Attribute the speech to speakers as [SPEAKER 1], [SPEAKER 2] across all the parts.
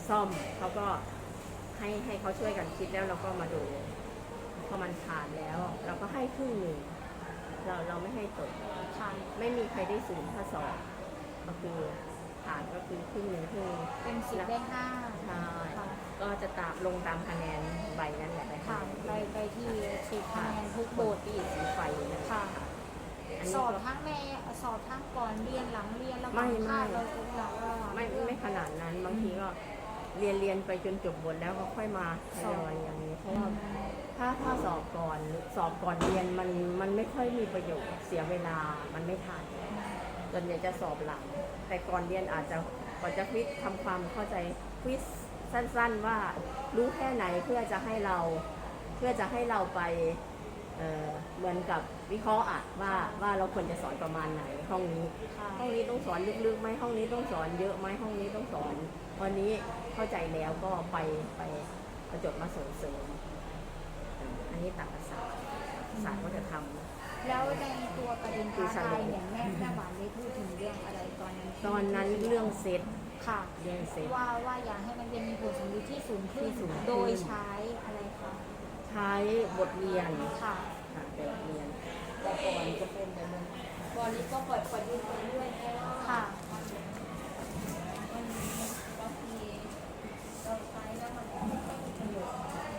[SPEAKER 1] ซ่อมเขาก็ให้เขาช่วยกันคิดแล้วเราก็มาดูพอมันผ่านแล้วเราก็ให้ครึ่งหนึ่งเราไม่ให้ตก
[SPEAKER 2] ค่ะ
[SPEAKER 1] ไม่มีใครได้ศูนย์ถ้าสอบก็คือผ่านก็คือครึ่งหนึ่งครึ่ง
[SPEAKER 2] เป็น10 ได้ 5
[SPEAKER 1] ใช่
[SPEAKER 2] ค่ะ
[SPEAKER 1] ก็จะลงตามคะแนนใบนั้นแหละ
[SPEAKER 2] ค่ะ ไปที่10 คะแนนทุกโบท
[SPEAKER 1] ที่สีไฟนั่นแหละ
[SPEAKER 2] ค่ะ
[SPEAKER 1] อันนี้
[SPEAKER 2] สอบ
[SPEAKER 1] ก็
[SPEAKER 2] ทั้งสอบทั้งก่อนเรียนหลังเรียนแล้ว
[SPEAKER 1] ไม่
[SPEAKER 2] ก็พลาดเราเรา
[SPEAKER 1] ไม่ขนาดนั้นบางทีก็เรียนไปจนจบบทแล้วก็ค่อยมาทยอยอย่างนี้เพราะว่าถ้าสอบก่อนหรือสอบก่อนเรียนมันไม่ค่อยมีประโยชน์เสียเวลามันไม่ทันส่วนใหญ่จะสอบหลังแต่ก่อนเรียนอาจจะก่อนจะควิสทำความเข้าใจควิสสั้นๆว่ารู้แค่ไหนเพื่อจะให้เราไปเหมือนกับวิเคราะห์อะว่าเราควรจะสอนประมาณไหนห้องนี้
[SPEAKER 2] ค่ะ
[SPEAKER 1] ห้องนี้ต้องสอนลึกๆไหมห้องนี้ต้องสอนเยอะไหมห้องนี้ต้องสอนวันนี้เข้าใจแล้วก็ไปประจดมาส่งเสริมอันนี้ตรรกศาสตร์ก็จะทำ
[SPEAKER 2] แล้วในตัวประเด็นท้าทายเนี่ยแม่หวานได้พูดถึงเรื่องอะไรตอนนั้น
[SPEAKER 1] ตอนนั้นเรื่องเซต
[SPEAKER 2] ค่ะ
[SPEAKER 1] เรื่องเซต
[SPEAKER 2] ว่าอยากให้มันเป็นมีผลสำลิดที่สูงขึ้น
[SPEAKER 1] ที่สูงขึ้น
[SPEAKER 2] โดยใช้อะไรคะ
[SPEAKER 1] ใช้บทเรียน
[SPEAKER 2] ค่ะ
[SPEAKER 1] ค่ะบทเรียน
[SPEAKER 3] แต่ก่อนจะเป็นแบบนั้นก่อนนี้ก็ปล่อยยืนไปเรื่อยแค่ว่า
[SPEAKER 2] ค่ะ
[SPEAKER 3] มันบางทีเราใช้แล้วมันไม่ค่อยมีประโยชน์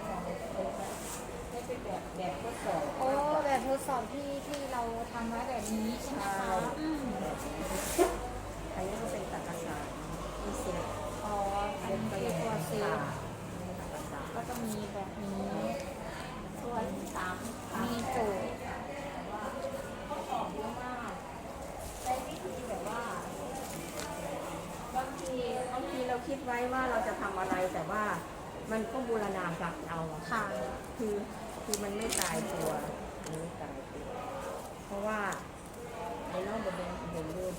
[SPEAKER 3] ให้เป็นแบบทดสอบ
[SPEAKER 2] โอ้แบบทดสอบที่เราทำไว้แบบนี้ใช่ไหมคะอืม
[SPEAKER 1] อันนี้ก็เป็นตรรกศาสตร์ที่เซต
[SPEAKER 2] อ๋ออันนี้เรียกว่าเซฟ
[SPEAKER 1] ตรรกศาสตร์
[SPEAKER 2] ก็จะมีแบบนี้
[SPEAKER 3] ส่วนสาม
[SPEAKER 2] มีโจทย์
[SPEAKER 3] ข้อสอบเยอะมากใช้วิธีแบบว่าบางที
[SPEAKER 1] เราคิดไว้ว่าเราจะทำอะไรแต่ว่ามันก็บูรณาการเอาอะ
[SPEAKER 2] ค่ะ
[SPEAKER 1] คือมันไม่ตายตัวมันไม่ตายตัว เพราะว่าในนอกบทเรียนเรื่อง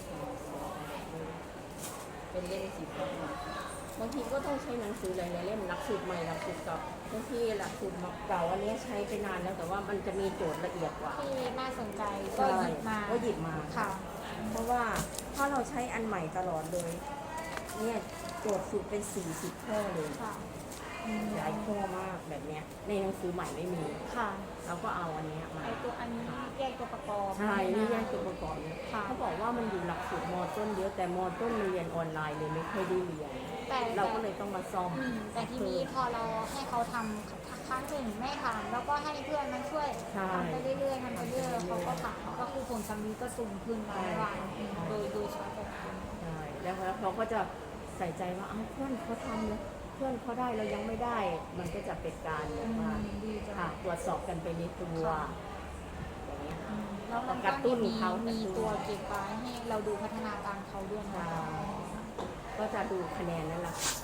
[SPEAKER 1] เป็นเล่มสีฟ้าบางทีก็ต้องใช้หนังสือหลายๆเล่มหลักสูตรใหม่หลักสูตรเก่าบางทีหลักสูตรเก่าอันนี้ใช้ไปนานแล้วแต่ว่ามันจะมีโจทย์ละเอียดกว่า
[SPEAKER 2] ที่น่าสนใจก็หยิบมา
[SPEAKER 1] ก็หยิบมา
[SPEAKER 2] ค่ะ
[SPEAKER 1] เพราะว่าถ้าเราใช้อันใหม่ตลอดเลยเนี่ยโจทย์สูตรเป็น40ข้อเลย
[SPEAKER 2] ค่ะอืม
[SPEAKER 1] หลายข้อมากแบบเนี้ยในหนังสือใหม่ไม่มี
[SPEAKER 2] ค่ะ
[SPEAKER 1] เราก็เอาอันเนี้ยมา
[SPEAKER 2] ไอตัวอันนี้แยกตัวประกอบ
[SPEAKER 1] ใช่นี่แยกตัวประกอบเนี่ย
[SPEAKER 2] ค่ะ
[SPEAKER 1] เขาบอกว่ามันอยู่หลักสูตรมต้นเยอะแต่มต้นมันเรียนออนไลน์เลยไม่ค่อยได้เรียน
[SPEAKER 2] แต่
[SPEAKER 1] เราก็เลยต้องมาซ่อม
[SPEAKER 2] แต่ทีนี้พอเราให้เขาทำครั้งหนึ่งไม่ทำแล้วก็ให้เพื่อนมาช่วย
[SPEAKER 1] ใช่
[SPEAKER 2] ทำไปเรื่อยๆทำไปเรื่อยๆเขาก็ผ่านก็คือผลสำลิดก็สูงขึ้นมาวันโดยใช้แบบนี้
[SPEAKER 1] ใช่แล้วเขาก็จะใส่ใจว่าเอ้าเพื่อนเขาทำเลยเพื่อนเขาได้เรายังไม่ได้ มันก็จะเป็นการแบบว่า
[SPEAKER 2] ดีจัง
[SPEAKER 1] ค่ะตรวจสอบกันไปในตัว
[SPEAKER 2] ค่ะ
[SPEAKER 1] อย่างเงี้ย
[SPEAKER 2] แล้วมัน
[SPEAKER 1] กระตุ้
[SPEAKER 2] ก็
[SPEAKER 1] น
[SPEAKER 2] มี
[SPEAKER 1] เขา
[SPEAKER 2] มีตัวเก็บไว้ให้เราดูพัฒนาการเขาด้วยนะ
[SPEAKER 1] ใช่ก็จะดูคะแนนนั่นแหละค่ะ